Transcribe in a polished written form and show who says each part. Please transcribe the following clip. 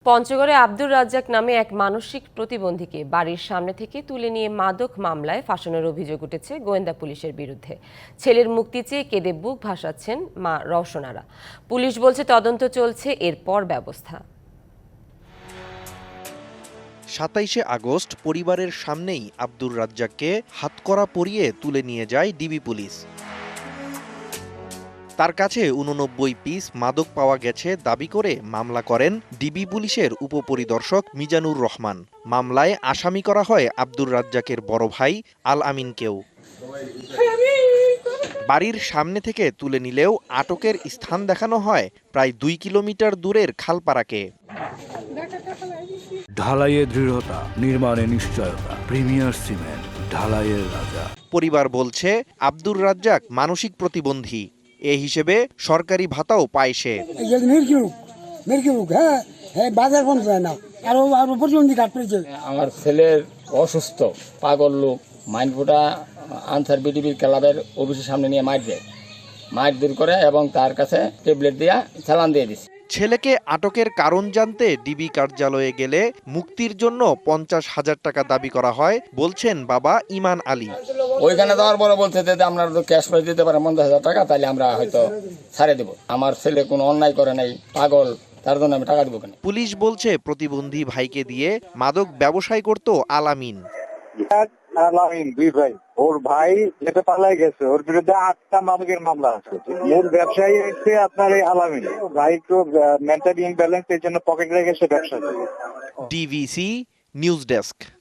Speaker 1: পঞ্চগড়ে আব্দুর রাজ্জাক নামে এক মানসিক প্রতিবন্ধীকে বাড়ির সামনে থেকে তুলে নিয়ে মাদক মামলায় ফাঁসানোর অভিযোগ উঠেছে গোয়েন্দা পুলিশের বিরুদ্ধে। ছেলের মুক্তি চেয়ে কেঁদে বুক ভাসাচ্ছেন মা রওশনারা। পুলিশ বলছে তদন্ত চলছে, এরপর ব্যবস্থা।
Speaker 2: ২৭শে আগস্ট পরিবারের সামনেই আব্দুর রাজ্জাককে হাতকড়া পরিয়ে তুলে নিয়ে যায় ডিবি পুলিশ। তার কাছে ৮৯ পিস মাদক পাওয়া গেছে দাবি করে মামলা করেন ডিবি পুলিশের উপপরিদর্শক মিজানুর রহমান। মামলায় আসামি করা হয় আব্দুর রাজ্জাকের বড় ভাই আল আমিনকেও। বাড়ির সামনে থেকে তুলে নিলেও আটকের স্থান দেখানো হয় প্রায় ২ কিলোমিটার দূরের খালপাড়াকে।
Speaker 3: ঢালাইয়ে দৃঢ়তা, নির্মাণে নিশ্চয়তা। প্রিমিয়ার সিমেন্ট, ঢালাইয়ের রাজা।
Speaker 2: পরিবার বলছে আব্দুর রাজ্জাক মানসিক প্রতিবন্ধী, এ হিসেবে সরকারি ভাতাও পায় সে।
Speaker 4: আমার ছেলের অসুস্থ, পাগল লোক, মাইন্ডফুটা আনসার বিডিবির ক্লাবের অফিসের সামনে নিয়ে মাইট দেয়, মাইট দূর করে এবং তার কাছে ট্যাবলেট দিয়া চালান দিয়ে দিচ্ছে।
Speaker 2: ছেলেকে আটকের কারণ জানতে ডিবি কার্যালয়ে গেলে মুক্তির জন্য ৫০,০০০ টাকা দাবি করা হয় বলছেন বাবা ইমান আলী।
Speaker 4: ওইখানে যাওয়ার পরে বলছে যে আপনারা তো ক্যাশ প্রাইজ দিতে পারেন ৫০,০০০ টাকা, তাহলে আমরা হয়তো ছাড়ে দেব। আমার ছেলে কোনো অন্যায় করে নাই, পাগল, তার জন্য আমি টাকা দেবো কেন?
Speaker 2: পুলিশ বলছে প্রতিবন্ধী ভাইকে দিয়ে মাদক ব্যবসায় করত আল আমিন।
Speaker 5: দুই ভাই, ওর ভাই যেটা পালাই গেছে, ওর বিরুদ্ধে ৮টা মাদকের মামলা আছে। মূল ব্যবসায়ী হচ্ছে আপনার এই আলামিন। ভাই তো মেন্টালি ইমব্যালেন্স, এর জন্য পকেট রেখে সে ব্যবসা করে।
Speaker 2: DVC news desk.